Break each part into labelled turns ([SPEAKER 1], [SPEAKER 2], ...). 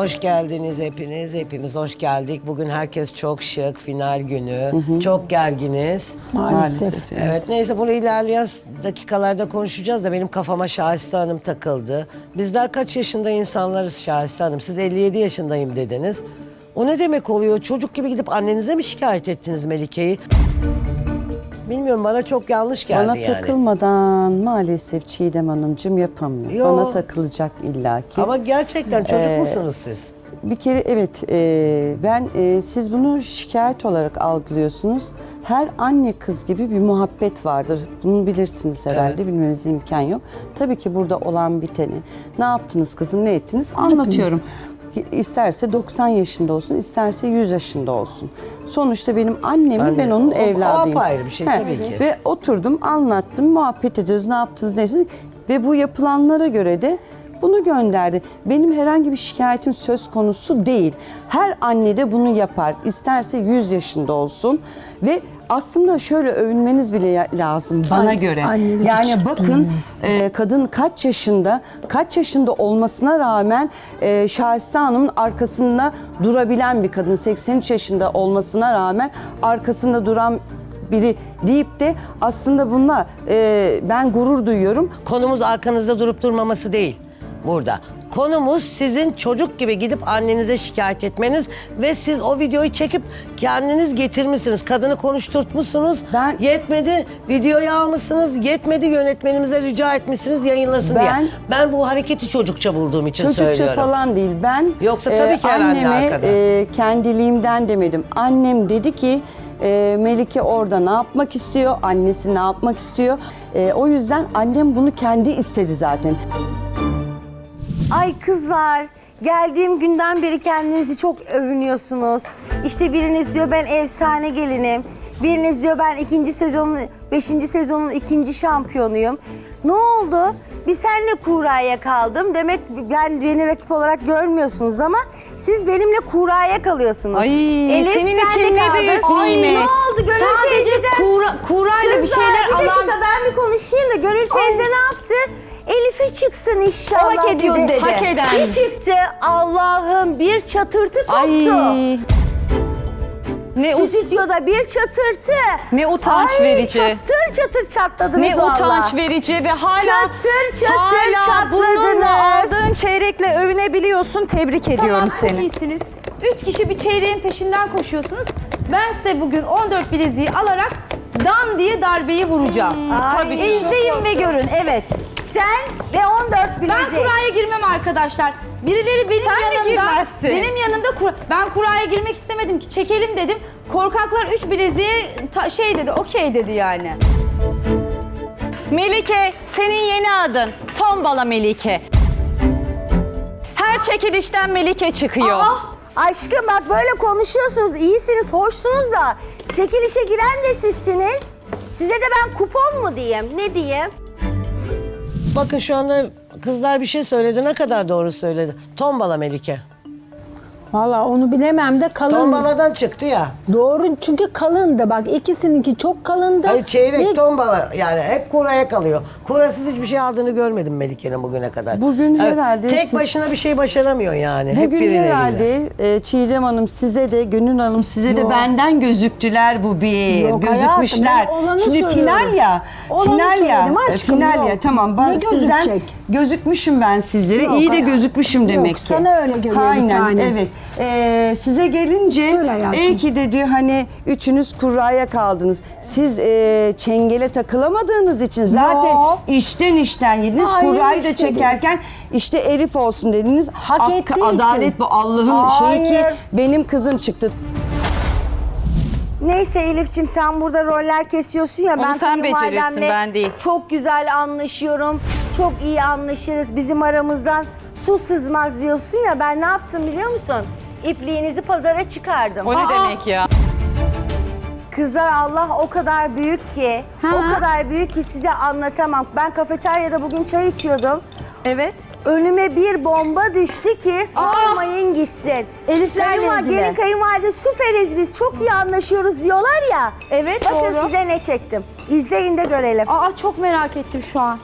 [SPEAKER 1] hoş geldiniz hepiniz. Hepimiz hoş geldik. Bugün herkes çok şık, final günü. Çok gerginiz.
[SPEAKER 2] Maalesef.
[SPEAKER 1] Evet, neyse bunu ilerleyen dakikalarda konuşacağız da benim kafama Şahiste Hanım takıldı. Bizler kaç yaşında insanlarız Şahiste Hanım? Siz 57 yaşındayım dediniz. O ne demek oluyor? Çocuk gibi gidip annenize mi şikayet ettiniz Melike'yi? Bilmiyorum, bana çok yanlış geldi
[SPEAKER 2] Bana
[SPEAKER 1] yani.
[SPEAKER 2] takılmadan maalesef Çiğdem Hanımcığım yapamıyor.
[SPEAKER 1] Yo.
[SPEAKER 2] Bana takılacak illaki.
[SPEAKER 1] Ama gerçekten çocuk musunuz siz?
[SPEAKER 2] Bir kere evet, siz bunu şikayet olarak algılıyorsunuz. Her anne kız gibi bir muhabbet vardır. Bunu bilirsiniz herhalde,
[SPEAKER 1] Evet.
[SPEAKER 2] bilmenize imkan yok. Tabii ki burada olan biteni, ne yaptınız kızım, ne ettiniz anlatıyorum. İsterse 90 yaşında olsun, isterse 100 yaşında olsun. Sonuçta benim annemi, ben onun evladıyım.
[SPEAKER 1] O apayrı bir şey tabii ki.
[SPEAKER 2] Ve oturdum, anlattım, muhabbet ediyoruz, ne yaptınız, neyse. Ve bu yapılanlara göre de bunu gönderdi. Benim herhangi bir şikayetim söz konusu değil. Her anne de bunu yapar. İsterse 100 yaşında olsun. Ve aslında şöyle övünmeniz bile lazım bana göre. Yani bakın kadın kaç yaşında olmasına rağmen Şahiste Hanım'ın arkasında durabilen bir kadın. 83 yaşında olmasına rağmen arkasında duran biri deyip de aslında bununla ben gurur duyuyorum.
[SPEAKER 1] Konumuz arkanızda durup durmaması değil burada. Konumuz sizin çocuk gibi gidip annenize şikayet etmeniz ve siz o videoyu çekip kendiniz getirmişsiniz. Kadını konuşturtmuşsunuz. Yetmedi videoyu almışsınız. Yetmedi yönetmenimize rica etmişsiniz yayınlasın diye. Ben bu hareketi çocukça bulduğum için söylüyorum.
[SPEAKER 2] Çocukça falan değil. Ben
[SPEAKER 1] yoksa tabii ki herhalde arkada.
[SPEAKER 2] Kendiliğimden demedim. Annem dedi ki Melike orada ne yapmak istiyor? Annesi ne yapmak istiyor? O yüzden annem bunu kendi istedi zaten.
[SPEAKER 3] Ay kızlar, geldiğim günden beri kendinizi çok övünüyorsunuz. İşte biriniz diyor ben efsane gelinim. Biriniz diyor ben 5. sezonun 2. şampiyonuyum. Ne oldu? Bir senle kuraya kaldım. Demek ben yeni rakip olarak görmüyorsunuz ama siz benimle kuraya kalıyorsunuz.
[SPEAKER 4] Ay,
[SPEAKER 3] Elif,
[SPEAKER 4] senin
[SPEAKER 3] sen de
[SPEAKER 4] için ne
[SPEAKER 3] kaldın.
[SPEAKER 4] büyük
[SPEAKER 3] Ay,
[SPEAKER 4] nimet.
[SPEAKER 3] ne oldu? Gönül
[SPEAKER 4] Sadece
[SPEAKER 3] teyzeden-
[SPEAKER 4] kurayla bir şeyler
[SPEAKER 3] bir dakika
[SPEAKER 4] alan...
[SPEAKER 3] ben bir konuşayım da Gönül teyze ne yaptı? Elif'e çıksın inşallah
[SPEAKER 4] Hak ediyor dedi. Hak eden.
[SPEAKER 3] Bir çıktı Allah'ım bir çatırtı koptu.
[SPEAKER 4] Ay.
[SPEAKER 3] Stüdyoda bir çatırtı.
[SPEAKER 4] Ne utanç
[SPEAKER 3] Ay,
[SPEAKER 4] verici.
[SPEAKER 3] Çatır çatır çatladınız
[SPEAKER 4] Ne
[SPEAKER 3] valla.
[SPEAKER 4] utanç verici ve hala
[SPEAKER 3] Çatır
[SPEAKER 4] bununla
[SPEAKER 3] çatladınız.
[SPEAKER 4] aldığın çeyrekle övünebiliyorsun. Tebrik ediyorum
[SPEAKER 5] Tamam,
[SPEAKER 4] seni.
[SPEAKER 5] çok iyisiniz. 3 kişi bir çeyreğin peşinden koşuyorsunuz. Ben size bugün 14 bileziği alarak dan diye darbeyi vuracağım.
[SPEAKER 3] Ay,
[SPEAKER 5] İzleyin ve görün. Evet.
[SPEAKER 3] Sen ve 14 bilezik.
[SPEAKER 5] Ben kuraya girmem arkadaşlar. Birileri benim yanımda, ben kuraya girmek istemedim ki. Çekelim dedim. Korkaklar 3 bileziğe dedi, okey dedi yani.
[SPEAKER 4] Melike, senin yeni adın. Tombala Melike. Her çekilişten Melike çıkıyor.
[SPEAKER 3] Aşkım bak böyle konuşuyorsunuz, iyisiniz, hoşsunuz da çekilişe giren de sizsiniz. Size de ben kupon mu diyeyim, ne diyeyim?
[SPEAKER 1] Bakın şu anda kızlar bir şey söyledi. Ne kadar doğru söyledi. Tombala Melike.
[SPEAKER 6] Valla onu bilemem de kalın.
[SPEAKER 1] Tombaladan çıktı ya.
[SPEAKER 6] Doğru çünkü kalındı bak ikisininki çok kalındı.
[SPEAKER 1] Hayır çeyrek
[SPEAKER 6] Ve
[SPEAKER 1] tombala yani hep kuraya kalıyor. Kurasız hiçbir şey aldığını görmedim Melike'nin bugüne kadar.
[SPEAKER 2] Bugün herhalde
[SPEAKER 1] Tek
[SPEAKER 2] siz-
[SPEAKER 1] başına bir şey başaramıyor yani. Hep
[SPEAKER 2] Bugün
[SPEAKER 1] birileriyle.
[SPEAKER 2] herhalde Çiğdem Hanım size de, Gönül Hanım size de benden gözüktüler bu bir.
[SPEAKER 6] Yok
[SPEAKER 2] Gözükmüşler.
[SPEAKER 6] hayatım, ben olanı
[SPEAKER 2] Şimdi
[SPEAKER 6] söylüyorum.
[SPEAKER 2] final ya.
[SPEAKER 6] Olanı
[SPEAKER 2] Final ya.
[SPEAKER 6] söyledim aşkım,
[SPEAKER 2] Final
[SPEAKER 6] yok.
[SPEAKER 2] ya. Tamam.
[SPEAKER 6] Ne
[SPEAKER 2] Ben sizden
[SPEAKER 6] gözükecek?
[SPEAKER 2] gözükmüşüm ben sizlere.
[SPEAKER 6] Yok
[SPEAKER 2] İyi de
[SPEAKER 6] hayatım.
[SPEAKER 2] gözükmüşüm
[SPEAKER 6] Yok,
[SPEAKER 2] demek ki.
[SPEAKER 6] sana öyle görüyor bir
[SPEAKER 2] Aynen,
[SPEAKER 6] tane.
[SPEAKER 2] evet. Size gelince
[SPEAKER 6] Söyle hayatım.
[SPEAKER 2] belki de diyor hani üçünüz kuraya kaldınız. Siz çengele takılamadığınız için zaten
[SPEAKER 6] Yok.
[SPEAKER 2] işten yediniz.
[SPEAKER 6] Hayır,
[SPEAKER 2] Kurayı da
[SPEAKER 6] işte değil.
[SPEAKER 2] çekerken işte Elif olsun dediniz.
[SPEAKER 6] Hak ettiği
[SPEAKER 2] Adalet
[SPEAKER 6] için.
[SPEAKER 2] bu Allah'ın şeyi ki
[SPEAKER 6] Hayır.
[SPEAKER 2] benim kızım çıktı.
[SPEAKER 3] Neyse Elif'ciğim sen burada roller kesiyorsun ya.
[SPEAKER 4] Onu
[SPEAKER 3] Ben
[SPEAKER 4] sen becerirsin,
[SPEAKER 3] kayınvalidemle
[SPEAKER 4] ben değil.
[SPEAKER 3] çok güzel anlaşıyorum. Çok iyi anlaşırız. Bizim aramızdan su sızmaz diyorsun ya. Ben ne yaptım biliyor musun? İpliğinizi pazara çıkardım.
[SPEAKER 4] O ne demek ya?
[SPEAKER 3] Kızlar Allah o kadar büyük ki, o kadar büyük ki size anlatamam. Ben kafeteryada bugün çay içiyordum.
[SPEAKER 5] Evet.
[SPEAKER 3] Önüme bir bomba düştü ki sormayın gitsin.
[SPEAKER 5] Eliflerle ilgili.
[SPEAKER 3] Gelin kayınvalide süperiz biz, çok iyi anlaşıyoruz diyorlar ya.
[SPEAKER 5] Evet,
[SPEAKER 3] Bakın
[SPEAKER 5] doğru.
[SPEAKER 3] size ne çektim. İzleyin de görelim.
[SPEAKER 5] Aa, çok merak ettim şu an.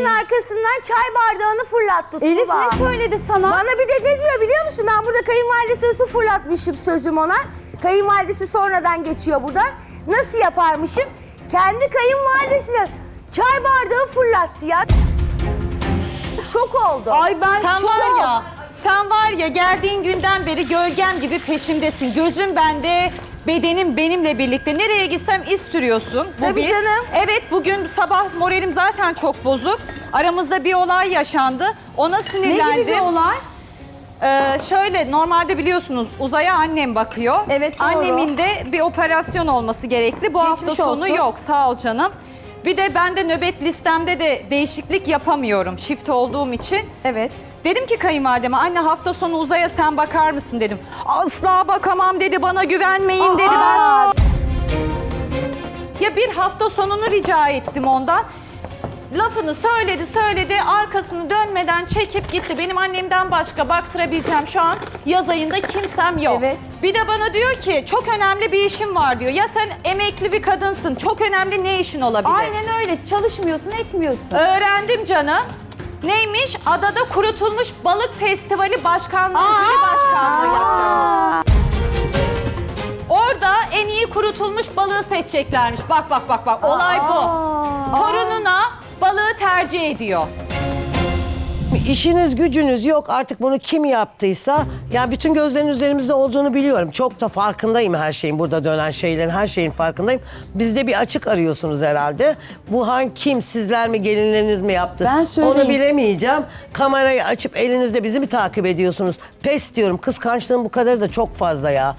[SPEAKER 3] Senin arkasından çay bardağını fırlattı Tuğba.
[SPEAKER 5] Elif ne söyledi sana?
[SPEAKER 3] Bana bir de ne diyor biliyor musun? Ben burada kayınvalidesi su fırlatmışım sözüm ona. Kayınvalidesi sonradan geçiyor buradan. Nasıl yaparmışım? Kendi kayınvalidesine çay bardağı fırlattı ya. Şok oldu.
[SPEAKER 5] Ay ben
[SPEAKER 4] Sen var ya geldiğin günden beri gölgem gibi peşimdesin. Gözüm bende, bedenim benimle birlikte. Nereye gitsem iz sürüyorsun. Bu
[SPEAKER 3] Tabii
[SPEAKER 4] bir.
[SPEAKER 3] canım.
[SPEAKER 4] Evet bugün sabah moralim zaten çok bozuk. Aramızda bir olay yaşandı. Ona
[SPEAKER 5] Ne
[SPEAKER 4] sinirlendim.
[SPEAKER 5] gibi bir olay?
[SPEAKER 4] Şöyle normalde biliyorsunuz Uzay'a annem bakıyor.
[SPEAKER 5] Evet, doğru.
[SPEAKER 4] Annemin de bir operasyon olması gerekli. Bu hafta
[SPEAKER 5] Geçmiş
[SPEAKER 4] sonu
[SPEAKER 5] olsun.
[SPEAKER 4] yok. Sağ ol canım. Bir de ben de nöbet listemde de değişiklik yapamıyorum shift olduğum için.
[SPEAKER 5] Evet.
[SPEAKER 4] Dedim ki kayınvalideme anne hafta sonu Uzay'a sen bakar mısın dedim. Asla bakamam dedi, bana güvenmeyin dedi. Ya bir hafta sonunu rica ettim ondan. Lafını söyledi, arkasını dönmeden çekip gitti. Benim annemden başka baktırabileceğim şu an yaz ayında kimsem yok.
[SPEAKER 5] Evet.
[SPEAKER 4] Bir de bana diyor ki çok önemli bir işim var diyor. Ya sen emekli bir kadınsın, çok önemli ne işin olabilir?
[SPEAKER 5] Aynen öyle. Çalışmıyorsun, etmiyorsun.
[SPEAKER 4] Öğrendim canım. Neymiş? Adada kurutulmuş balık festivali başkanlığı, jüri başkanlığı yapıyor. Orada en iyi kurutulmuş balığı seçeceklermiş. Bak. Olay bu. Torununa balığı tercih ediyor.
[SPEAKER 1] İşiniz gücünüz yok artık bunu kim yaptıysa ya bütün gözlerin üzerimizde olduğunu biliyorum. Çok da farkındayım her şeyin burada dönen şeylerin her şeyin farkındayım. Bizde bir açık arıyorsunuz herhalde. Bu kim sizler mi gelinleriniz mi yaptı?
[SPEAKER 2] Ben söyleyeyim.
[SPEAKER 1] Onu bilemeyeceğim. Kamerayı açıp elinizde bizi mi takip ediyorsunuz? Pes diyorum kıskançlığın bu kadarı da çok fazla ya.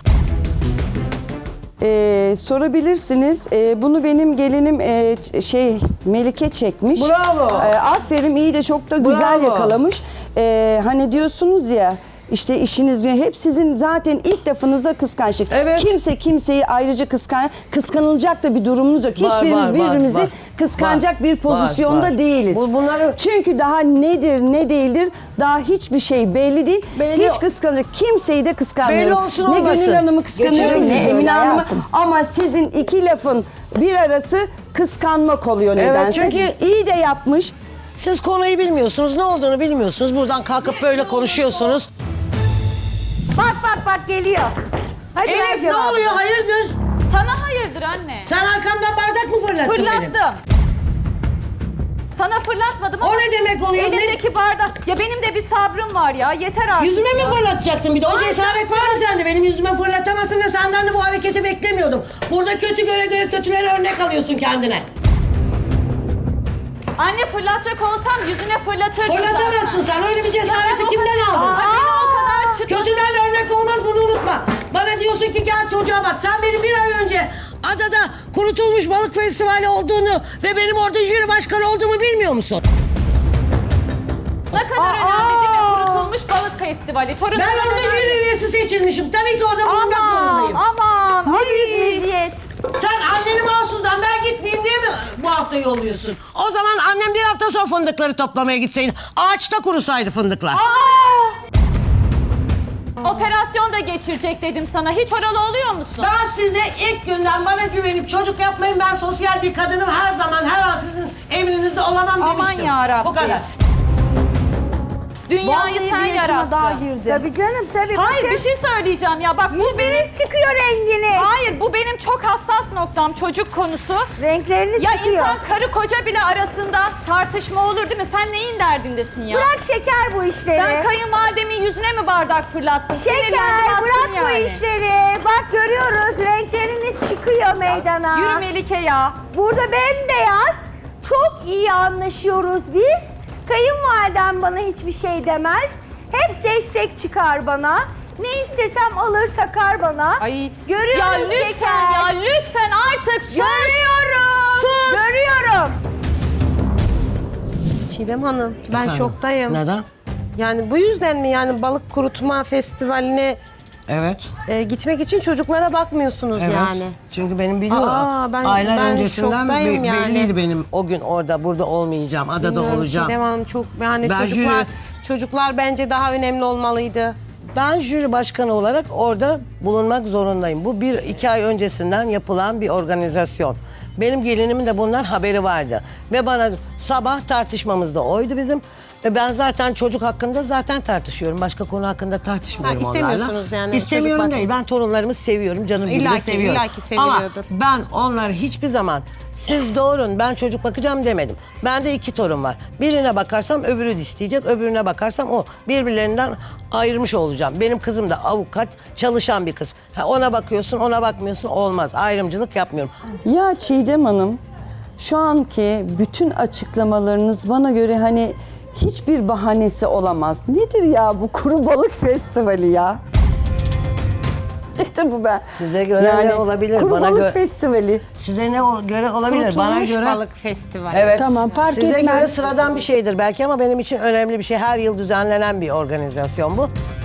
[SPEAKER 2] Sorabilirsiniz. Bunu benim gelinim Melike çekmiş.
[SPEAKER 1] Bravo.
[SPEAKER 2] Aferin iyi de çok da güzel
[SPEAKER 1] Bravo.
[SPEAKER 2] yakalamış. Hani diyorsunuz ya işte işiniz hep sizin zaten ilk lafınızda kıskançlık.
[SPEAKER 1] Evet.
[SPEAKER 2] Kimse kimseyi ayrıca kıskanılacak da bir durumunuz yok. Hiçbirimiz birbirimizi
[SPEAKER 1] var.
[SPEAKER 2] kıskanacak bir pozisyonda
[SPEAKER 1] Var.
[SPEAKER 2] değiliz.
[SPEAKER 1] Bunları
[SPEAKER 2] Çünkü daha nedir ne değildir daha hiçbir şey belli değil.
[SPEAKER 1] Belli-
[SPEAKER 2] Hiç kıskanacak kimseyi de kıskanmıyorum.
[SPEAKER 1] Belli olsun
[SPEAKER 2] Ne
[SPEAKER 1] olmasın.
[SPEAKER 2] Gönül Hanım'ı kıskanıyorum
[SPEAKER 1] Geçelim
[SPEAKER 2] ne
[SPEAKER 1] sizi
[SPEAKER 2] Emine
[SPEAKER 1] öyle
[SPEAKER 2] Hanım'ı.
[SPEAKER 1] hayatım.
[SPEAKER 2] Ama sizin iki lafın bir arası kıskanmak oluyor
[SPEAKER 1] Evet,
[SPEAKER 2] nedense.
[SPEAKER 1] çünkü-
[SPEAKER 2] iyi de yapmış.
[SPEAKER 1] Siz konuyu bilmiyorsunuz, ne olduğunu bilmiyorsunuz. Buradan kalkıp böyle konuşuyorsunuz.
[SPEAKER 3] Bak geliyor. Hadi ver
[SPEAKER 1] Elif ne
[SPEAKER 3] cevabını.
[SPEAKER 1] oluyor? Hayırdır?
[SPEAKER 4] Sana hayırdır anne.
[SPEAKER 1] Sen arkamdan bardak mı fırlattın benim?
[SPEAKER 4] Fırlattım. Sana fırlatmadım ama
[SPEAKER 1] O ne demek oluyor?
[SPEAKER 4] elindeki bardak. Ya benim de bir sabrım var ya. Yeter artık.
[SPEAKER 1] Yüzüme mi
[SPEAKER 4] ya.
[SPEAKER 1] fırlatacaktın bir de? O cesaret var mı sende? Benim yüzüme fırlatamazsın ve senden de bu hareketi beklemiyordum. Burada kötü göre kötülere örnek alıyorsun kendine.
[SPEAKER 4] Anne fırlatacak olsam yüzüne fırlatırdım
[SPEAKER 1] Fırlatamazsın
[SPEAKER 4] zaten.
[SPEAKER 1] sen. Öyle bir cesareti
[SPEAKER 4] Ya,
[SPEAKER 1] kimden
[SPEAKER 4] o kadar-
[SPEAKER 1] aldın?
[SPEAKER 4] Aa, beni o kadar çıtlat-
[SPEAKER 1] Kötüden örnek olmaz, bunu unutma. Bana diyorsun ki gel çocuğa bak. Sen benim bir ay önce adada kurutulmuş balık festivali olduğunu ve benim orada jüri başkanı olduğumu bilmiyor musun?
[SPEAKER 4] Ne kadar önemli değil mi? Kurutulmuş balık festivali. Torunlarına
[SPEAKER 1] Ben orada
[SPEAKER 4] önemli.
[SPEAKER 1] jüri üyesi seçilmişim. Tabii ki orada bulunmak zorundayım.
[SPEAKER 4] Aman.
[SPEAKER 5] Ne
[SPEAKER 4] ay.
[SPEAKER 5] büyük meziyet.
[SPEAKER 1] Sen anneni mahsusdan ben gitmeyeyim diye mi bu hafta yolluyorsun? O zaman annem bir hafta sonra fındıkları toplamaya gitseydi. Ağaçta kurusaydı fındıklar.
[SPEAKER 4] Operasyon da geçirecek dedim sana. Hiç oralı oluyor musun?
[SPEAKER 1] Ben size ilk günden bana güvenip çocuk yapmayın. Ben sosyal bir kadınım. Her zaman her an sizin emrinizde olamam
[SPEAKER 4] Aman
[SPEAKER 1] demiştim.
[SPEAKER 4] yarabbim.
[SPEAKER 1] Bu kadar.
[SPEAKER 4] Dünyayı
[SPEAKER 5] Vallahi
[SPEAKER 4] sen
[SPEAKER 5] bir yaşıma daha
[SPEAKER 4] yarattın.
[SPEAKER 5] girdim.
[SPEAKER 3] Tabii canım tabii.
[SPEAKER 4] Hayır
[SPEAKER 3] Bakın,
[SPEAKER 4] bir şey söyleyeceğim ya. Bak bu benim...
[SPEAKER 3] yüzünüz çıkıyor renginiz.
[SPEAKER 4] Hayır bu benim çok hassas noktam çocuk konusu.
[SPEAKER 3] Renkleriniz
[SPEAKER 4] Ya
[SPEAKER 3] çıkıyor.
[SPEAKER 4] insan karı koca bile arasında tartışma olur değil mi? Sen neyin derdindesin ya?
[SPEAKER 3] Bırak şeker bu işleri.
[SPEAKER 4] Ben kayınvalidemin yüzüne mi bardak fırlattım? Sinirlendim,
[SPEAKER 3] Şeker
[SPEAKER 4] attım
[SPEAKER 3] bırak bu
[SPEAKER 4] yani.
[SPEAKER 3] işleri. Bak görüyoruz renkleriniz çıkıyor meydana.
[SPEAKER 4] Yürü Melike ya.
[SPEAKER 3] Burada bembeyaz. Çok iyi anlaşıyoruz biz. Kayınvalidem bana hiçbir şey demez. Hep destek çıkar bana. Ne istesem alır takar bana.
[SPEAKER 4] Ay.
[SPEAKER 3] Görüyoruz
[SPEAKER 4] ya lütfen
[SPEAKER 3] şeker.
[SPEAKER 4] ya lütfen artık sus.
[SPEAKER 3] Görüyorum.
[SPEAKER 4] Sus.
[SPEAKER 3] Görüyorum.
[SPEAKER 7] Çiğdem Hanım, ben
[SPEAKER 1] Efendim?
[SPEAKER 7] şoktayım.
[SPEAKER 1] Neden?
[SPEAKER 7] Yani bu yüzden mi yani balık kurutma festivaline
[SPEAKER 1] Evet.
[SPEAKER 7] gitmek için çocuklara bakmıyorsunuz
[SPEAKER 1] Evet.
[SPEAKER 7] yani?
[SPEAKER 1] Çünkü benim biliyorum.
[SPEAKER 7] Ben
[SPEAKER 1] Aylar öncesinden
[SPEAKER 7] şoktayım yani.
[SPEAKER 1] belliydi benim. O gün orada burada olmayacağım. Adada
[SPEAKER 7] Bilmiyorum,
[SPEAKER 1] olacağım.
[SPEAKER 7] Çiğdem Hanım çok yani
[SPEAKER 1] Ben
[SPEAKER 7] çocuklar bence daha önemli olmalıydı.
[SPEAKER 1] Ben jüri başkanı olarak orada bulunmak zorundayım. Bu 1-2 ay öncesinden yapılan bir organizasyon. Benim gelinimin de bundan haberi vardı. Ve bana sabah tartışmamız da oydu bizim. Ve ben zaten çocuk hakkında zaten tartışıyorum. Başka konu hakkında tartışmıyorum
[SPEAKER 7] Ha,
[SPEAKER 1] onlarla.
[SPEAKER 7] istemiyorsunuz yani
[SPEAKER 1] İstemiyorum
[SPEAKER 7] çocuk
[SPEAKER 1] değil. Ben torunlarımı seviyorum. Canım gibi de
[SPEAKER 7] İlla ki,
[SPEAKER 1] seviyorum.
[SPEAKER 7] illa ki seviliyordur.
[SPEAKER 1] Ama ben onları hiçbir zaman siz doğurun ben çocuk bakacağım demedim. Bende 2 torun var. Birine bakarsam öbürü de isteyecek. Öbürüne bakarsam o. Birbirlerinden ayırmış olacağım. Benim kızım da avukat, çalışan bir kız. Ha, ona bakıyorsun, ona bakmıyorsun olmaz. Ayrımcılık yapmıyorum.
[SPEAKER 2] Ya Çiğdem Hanım, şu anki bütün açıklamalarınız bana göre hani hiçbir bahanesi olamaz. Nedir ya bu kuru balık festivali ya? Nedir bu be?
[SPEAKER 1] Size göre ne olabilir?
[SPEAKER 2] Kuru
[SPEAKER 1] Bana
[SPEAKER 2] balık
[SPEAKER 1] göre
[SPEAKER 2] festivali.
[SPEAKER 1] size ne göre olabilir? Bana
[SPEAKER 7] Kurutulmuş
[SPEAKER 1] göre
[SPEAKER 7] balık festivali.
[SPEAKER 1] evet.
[SPEAKER 6] Tamam, fark
[SPEAKER 1] Size
[SPEAKER 6] etmez.
[SPEAKER 1] göre sıradan bir şeydir belki ama benim için önemli bir şey. Her yıl düzenlenen bir organizasyon bu.